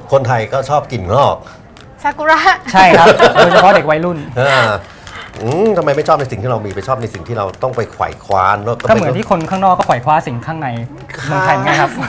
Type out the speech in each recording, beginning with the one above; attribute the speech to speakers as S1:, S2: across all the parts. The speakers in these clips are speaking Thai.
S1: คนไทยก็ชอบกลิ่นงอก
S2: ซากุระ
S3: ใช่ครับโดยเฉพาะเด็กวัยรุ่น
S1: ทำไมไม่ชอบในสิ่งที่เรามีไปชอบในสิ่งที่เราต้องไปไขว่คว้าน
S3: ก็เหมือนที่คนข้างนอกก็ไขว่คว้าสิ่งข้างในเมืองไทยไงครับ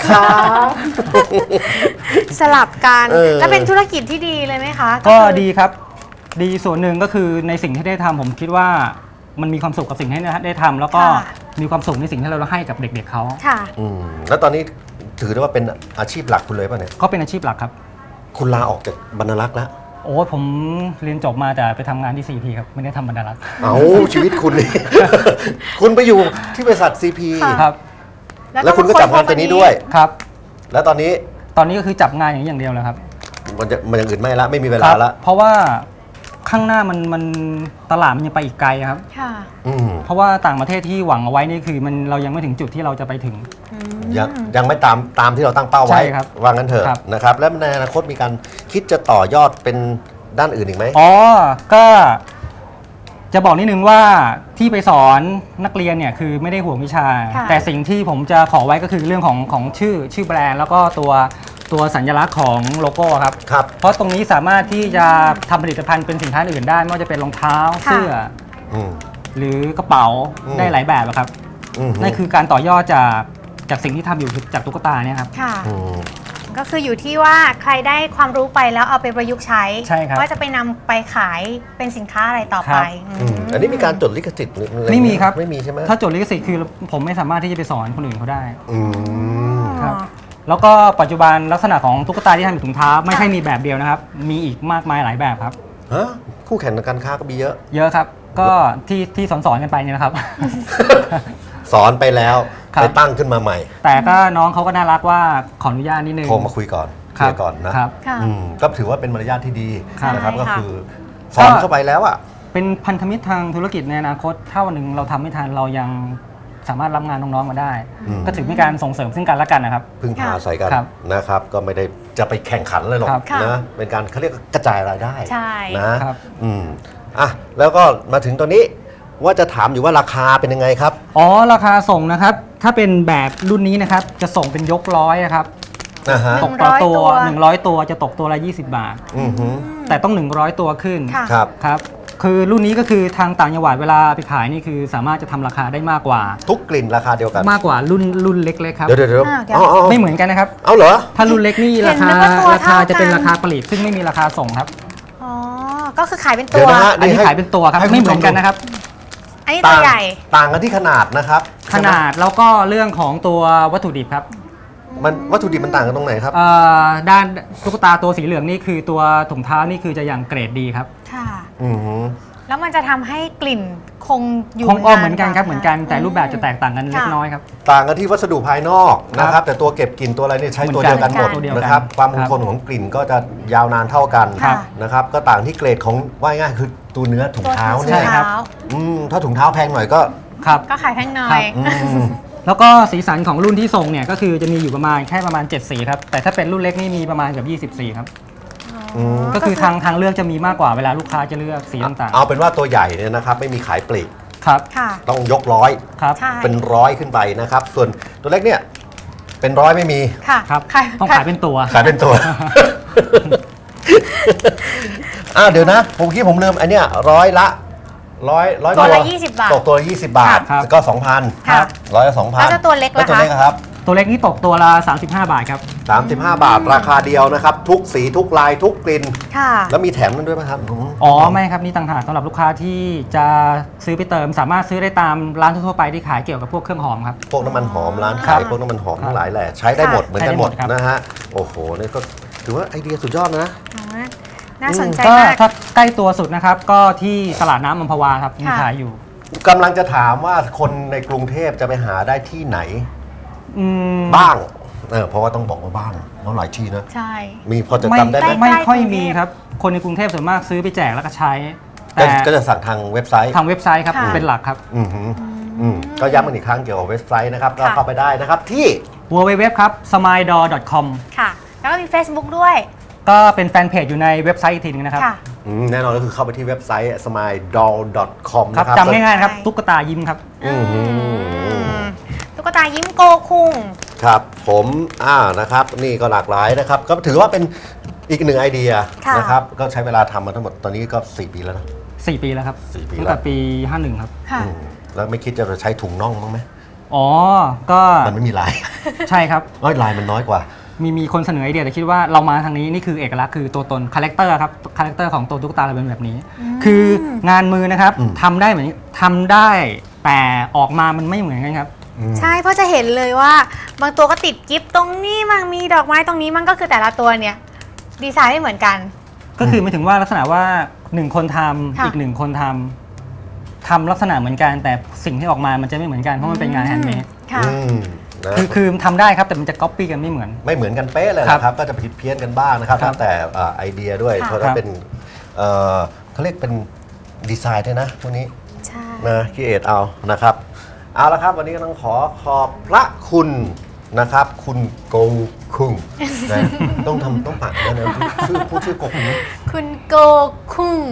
S2: สลับกันแล้วเป็นธุรกิจที่ดีเลยไหมคะ
S3: ก็ดีครับดีส่วนหนึ่งก็คือในสิ่งที่ได้ทำผมคิดว่ามันมีความสุขกับสิ่งที่ได้ทำแล้วก็มีความสุขในสิ่งที่เราให้กับเด็กๆเขา
S2: ค่ะ
S1: แล้วตอนนี้ถือได้ว่าเป็นอาชีพหลักคุณเลยป่ะเนี่ย
S3: ก็เป็นอาชีพหลักครับ
S1: คุณลาออกจากบรรณารักษ์แล้ว
S3: โอ้ผมเรียนจบมาแต่ไปทำงานที่ CP ครับไม่ได้ทำบรรณารักษ์
S1: เอาชีวิตคุณนี่ คุณไปอยู่ที่บริษัท CP
S3: ครับ
S1: แล้วคุณก็จับงานตัวนี้ด้วย
S3: ครับ
S1: แล้วตอนนี้
S3: ก็คือจับงานอย่างเดียวเลยครับ
S1: มันอย่างอื่นไม่ละไม่มีเวลาละ
S3: เพราะว่าข้างหน้ามันตลาดมันยังไปอีกไกลครับเพราะว่าต่างประเทศที่หวังเอาไว้นี่คือเรายังไม่ถึงจุดที่เราจะไปถึง
S1: ยังไม่ตามที่เราตั้งเป้าไว้ว่างั้นเถอะนะครับแล้วในอนาคตมีการคิดจะต่อยอดเป็นด้านอื่นอีกไหม
S3: ก็จะบอกนิดนึงว่าที่ไปสอนนักเรียนเนี่ยคือไม่ได้ห่วงวิชาแต่สิ่งที่ผมจะขอไว้ก็คือเรื่องของชื่อแบรนด์แล้วก็ตัวสัญลักษณ์ของโลโก้ครับเพราะตรงนี้สามารถที่จะทำผลิตภัณฑ์เป็นสินค้าอื่นได้ไม่ว่าจะเป็นรองเท้าเสื้อหรือกระเป๋าได้หลายแบบครับนั่นคือการต่อยอดจากสิ่งที่ทำอยู่จากตุ๊กตาเนี่ยครับ
S2: ก็คืออยู่ที่ว่าใครได้ความรู้ไปแล้วเอาไปประยุกต์ใช้ว่าจะไปนำไปขายเป็นสินค้าอะไรต่อไป
S1: อันนี้มีการจดลิขสิทธิ์
S3: ไม่มีครับ
S1: ไม่มีใช่ไหม
S3: ถ้าจดลิขสิทธิ์คือผมไม่สามารถที่จะไปสอนคนอื่นเขาได้ครับแล้วก็ปัจจุบันลักษณะของตุ๊กตาที่ทำเป็นถุงเท้าไม่ใช่มีแบบเดียวนะครับมีอีกมากมายหลายแบบครับ
S1: คู่แข่งในการค้าก็มีเย
S3: อะครับก็ที่สอนกันไปเนี่ยนะครับ
S1: สอนไปแล้วไปตั้งขึ้นมาใหม่
S3: แต่ก็น้องเขาก็น่ารักว่าขออนุญาตนิดนึง
S1: โทรมาคุยก่อนเคลียร์ก่อนนะก็ถือว่าเป็นมารยาทที่ดีนะครับก็คือสอนเข้าไปแล้วอ่ะ
S3: เป็นพันธมิตรทางธุรกิจในอนาคตถ้าวันหนึ่งเราทำไม่ทันเรายังสามารถรับงานน้องๆมาได้ก็ถือเป็นการส่งเสริมซึ่งกันและกันนะครับ
S1: พึ่งพาใส่กันนะครับก็ไม่ได้จะไปแข่งขันเลยหรอกนะเป็นการเขาเรียกกระจายรายได้นะแล้วก็มาถึงตอนนี้ว่าจะถามอยู่ว่าราคาเป็นยังไงครับ
S3: ราคาส่งนะครับถ้าเป็นแบบรุ่นนี้นะครับจะส่งเป็นยกร้อยครับตกต่อตัว100ตัวจะตกตัวละ20 บาทแต่ต้อง100ตัวขึ้นครับคือรุ่นนี้ก็คือทางต่างจังหวัดเวลาไปขายนี่คือสามารถจะทำราคาได้มากกว่า
S1: ทุกกลิ่นราคาเดียวกัน
S3: มากกว่ารุ่นเล็กๆครับ
S1: เดี๋ยว
S3: ไม่เหมือนกันนะครับ
S1: เอาเหรอ
S3: ถ้ารุ่นเล็กนี่ราคาจะเป็นราคาปลีกซึ่งไม่มีราคาส่งครับ
S2: ก็คือขายเป็นตัว
S3: อันนี้ขายเป็นตัวครับไม่เหมือนกันนะครับ
S2: อันนี้ตัวใหญ่
S1: ต่างกันที่ขนาดนะครับ
S3: ขนาดแล้วก็เรื่องของตัววัตถุดิบครับ
S1: มันวัตถุดิบมันต่างกันตรงไหนครับ
S3: ด้านตุ๊กตาตัวสีเหลืองนี่คือตัวถุงเท้านี่คือจะอย่างเกรดดีครับ
S2: ค่ะแล้วมันจะทำให้กลิ่นคงอยู่
S3: เหมือนกันครับเหมือนกันแต่รูปแบบจะแตกต่างกันเล็กน้อยครับ
S1: ต่างกันที่วัสดุภายนอกนะครับแต่ตัวเก็บกลิ่นตัวอะไรเนี่ยใช้ตัวเดียวกันหมดนะครับความคงทนของกลิ่นก็จะยาวนานเท่ากันนะครับก็ต่างที่เกรดของว่าง่ายคือตัวเนื้อถุงเท้าเนี่ยถ้าถุงเท้าแพงหน่อย
S2: ก็ขายแพงหน่อย
S3: แล้วก็สีสันของรุ่นที่ส่งเนี่ยก็คือจะมีอยู่ประมาณ7 สีครับแต่ถ้าเป็นรุ่นเล็กนี่มีประมาณเกือบ20 สีครับก็คือทางเลือกจะมีมากกว่าเวลาลูกค้าจะเลือกสีต่าง
S1: ๆเอาเป็นว่าตัวใหญ่เนี่ยนะครับไม่มีขายปลีก
S3: ครับ
S1: ต้องยกร้อยเป็นร้อยขึ้นไปนะครับส่วนตัวเล็กเนี่ยเป็นร้อยไม่มี
S3: ครับต้องขายเป็นตัว
S1: เดี๋ยวนะผมลืมอันเนี้ยร้อยละ
S2: ตัวละ20 บาท
S1: ตกตัวละ20 บาทก็ 2,000 ครับ100 ละ 2,000
S2: แล้วตัวเล็กล่ะ
S1: ครับ
S3: ตัวเล็กนี่ตกตัวละ35 บาทครับ
S1: 35 บาทราคาเดียวนะครับทุกสีทุกลายทุกกลิ่นแล้วมีแถมนั่นด้วยไหมครับ
S3: ไม่ครับนี่ต่างหากสำหรับลูกค้าที่จะซื้อไปเติมสามารถซื้อได้ตามร้านทั่วไปที่ขายเกี่ยวกับพวกเครื่องหอมครับ
S1: พวกน้ำมันหอมร้านขายพวกน้ำมันหอมทั้งหลายแหละใช้ได้หมดเหมือนกันหมดนะฮะโอ้โหนี่ก็ถือว่าไอเดียสุดยอดนะ
S2: น่าสนใจมาก
S3: ถ้าใกล้ตัวสุดนะครับก็ที่ตลาดน้ำอัมพวาครับมีขายอยู่
S1: กำลังจะถามว่าคนในกรุงเทพจะไปหาได้ที่ไหนบ้างเพราะว่าต้องบอกว่าบ้างเพราะหลายที่นะ
S2: ใช่
S1: มีพอจะจำได้ไหม
S3: ไม่ค่อยมีครับคนในกรุงเทพส่วนมากซื้อไปแจกแล้วก็ใช้
S1: แต่ก็จะสั่งทางเว็บไซต์
S3: ครับเป็นหลักครับ
S1: ก็ย้ำกันอีกครั้งเกี่ยวกับเว็บไซต์นะครับก็เข้าไปได้นะครับที่
S3: www ครับ smile.com
S2: ค่ะแล้วก็มี Facebook ด้วย
S3: ก็เป็นแฟนเพจอยู่ในเว็บไซต์อีกทีนึงนะครับ
S1: แน่นอนก็คือเข้าไปที่เว็บไซต์ smile.com นะครับ
S3: จำง่ายๆครับตุ๊กตายิ้มครับ
S2: ตุ๊กตายิ้มโกคุง
S1: ครับผมนะครับนี่ก็หลากหลายนะครับก็ถือว่าเป็นอีกหนึ่งไอเดียนะครับก็ใช้เวลาทำมาทั้งหมดตอนนี้ก็4 ปีแล้วนะ
S3: 4 ปีแล้วครับ
S1: 4 ปี
S3: ตั้งแต่ปี51ครับ
S1: แล้วไม่คิดจะใช้ถุงน่องบ้างไหม
S3: อ๋อก็
S1: มันไม่มีลาย
S3: ใช่ครับ
S1: ลายมันน้อยกว่า
S3: มีคนเสนอไอเดียแต่คิดว่าเรามาทางนี้นี่คือเอกลักษณ์คือตัวตนคาแรคเตอร์ครับคาแรคเตอร์ของตัวตุ๊กตาเราเป็นแบบนี้คืองานมือนะครับทำได้เหมือนทำได้แต่ออกมามันไม่เหมือนกันครับ
S2: ใช่เพราะจะเห็นเลยว่าบางตัวก็ติดกิฟตรงนี้มั่งมีดอกไม้ตรงนี้มั่งก็คือแต่ละตัวเนี่ยดีไซน์ไม่เหมือนกัน
S3: ก็คือหมายถึงว่าลักษณะว่า1 คนทำอีก1 คนทำลักษณะเหมือนกันแต่สิ่งที่ออกมามันจะไม่เหมือนกันเพราะมันเป็นงานแฮนด์เมดคือทำได้ครับแต่มันจะก๊อปปี้กันไม่เหมือน
S1: กันเป๊ะเลยนะครับก็จะผิดเพี้ยนกันบ้างนะครับตั้งแต่ไอเดียด้วยเพราะถ้าเป็นเขาเรียกเป็นดีไซน์ด้วยนะพวกนี้นะคิดเอทเอานะครับเอาละครับวันนี้ก็ต้องขอบพระคุณนะครับคุณโกคุงนะต้องปากด้วยนะพูดชื่อโกคุง
S2: คุณโกคุง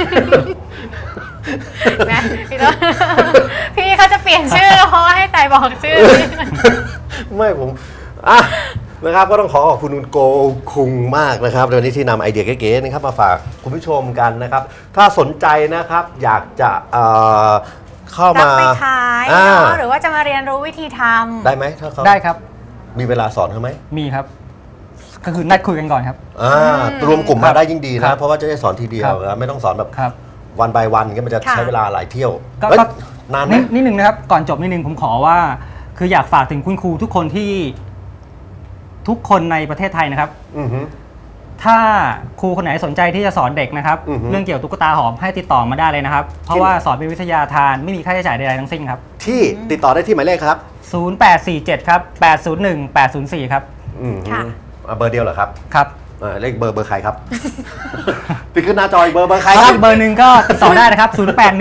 S2: นะพี่เขาจะเปลี่ยนชื่อเพราะว่าให้ไต่บอกชื่อ
S1: ไม่ผมนะครับก็ต้องขอบคุณคุณโกคุงมากนะครับวันนี้ที่นำไอเดียเก๋ๆนะครับมาฝากคุณผู้ชมกันนะครับถ้าสนใจนะครับอยากจะเข้ามา
S2: ไปขายหรือว่าจะมาเรียนรู้วิธีทำ
S1: ได้ไหมถ้าเขา
S3: ได้ครับ
S1: มีเวลาสอนเขาไหม
S3: มีครับก็คือนัดคุยกันก่อนครับ
S1: รวมกลุ่มมาได้ยิ่งดีนะเพราะว่าจะได้สอนทีเดียวไม่ต้องสอนแบบวันbyวันก็มันจะใช้เวลาหลายเที่ยว
S3: ก็นานนิดนึงนะครับก่อนจบนิดนึงผมขอว่าคืออยากฝากถึงคุณครูทุกคนที่ทุกคนในประเทศไทยนะครับถ้าครูคนไหนสนใจที่จะสอนเด็กนะครับเรื่องเกี่ยวตุ๊กตาหอมให้ติดต่อมาได้เลยนะครับเพราะว่าสอนเป็นวิทยาทานไม่มีค่าใช้จ่ายใดๆทั้งสิ้นครับ
S1: ที่ติดต่อได้ที่หมายเลขครับ
S3: 0847ครับ801 804ครับ
S1: เบอร์เดียวเหรอครับ
S3: ครับ
S1: เลขเบอร์ใครครับติดขึ้นหน้าจอเบอร์ใครครับ
S3: เบอร์หนึ่งก็ติดต่อได้นะครับ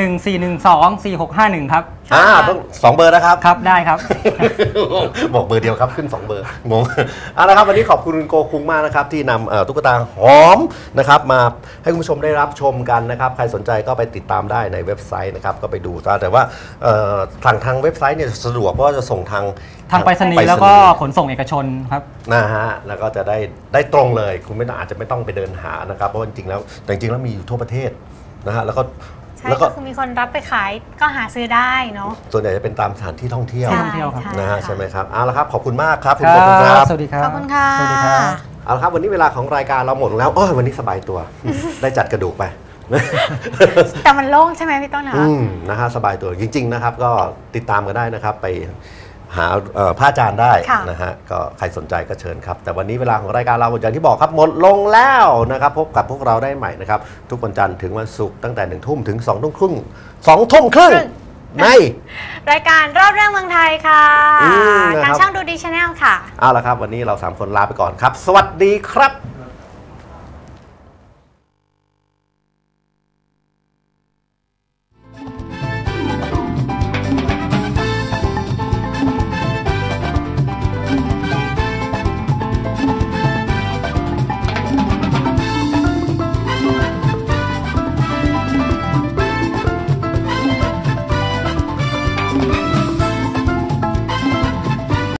S3: 0814124651ครับ
S1: ต้อง2 เบอร์นะครับ
S3: ครับได้ครับ
S1: บอกเบอร์เดียวครับขึ้น2 เบอร์งงละครับวันนี้ขอบคุณโกคุงมากนะครับที่นำตุ๊กตาหอมนะครับมาให้คุณผู้ชมได้รับชมกันนะครับใครสนใจก็ไปติดตามได้ในเว็บไซต์นะครับก็ไปดูแต่ว่าทางเว็บไซต์เนี่ยสะดวกเพราะว่าจะส่งทาง
S3: ไปรษณีย์แล้วก็ขนส่งเอกชนครับ
S1: ฮะแล้วก็จะได้ตรงเลยคุณอาจจะไม่ต้องไปเดินหานะครับเพราะจริงๆแล้วมีอยู่ทั่วประเทศนะฮะแล้ว
S2: ก็คือมีคนรับไปขายก็หาซื้อได้เนาะ
S1: ส่วนใหญ่จะเป็นตามสถานที่ท่องเที่ยวนะฮะใช่ไหมครับเอาละครับขอบคุณมากครับ
S3: คุณโกคุงครับสวัสดีครับ
S2: ขอบคุณค่ะ
S3: สวัสดีครับ
S1: เอาละครับวันนี้เวลาของรายการเราหมดแล้ววันนี้สบายตัวได้จัดกระดูกไป
S2: แต่มันโล่งใช่ไหมพี่ต้น
S1: นะฮะสบายตัวจริงๆนะครับก็ติดตามกันได้นะครับไปหาพระอาจารย์ได้นะฮะก็ใครสนใจก็เชิญครับแต่วันนี้เวลาของรายการเราอย่างที่บอกครับหมดลงแล้วนะครับพบกับพวกเราได้ใหม่นะครับทุกวันจันทร์ถึงวันศุกร์ตั้งแต่1 ทุ่มถึง2 ทุ่มครึ่ง2 ทุ่มครึ่งใน
S2: รายการรอบเรื่องเมืองไทยค่ะทางช่องดูดีชาแนลค่ะ
S1: เอาละครับวันนี้เรา3 คนลาไปก่อนครับสวัสดีครับ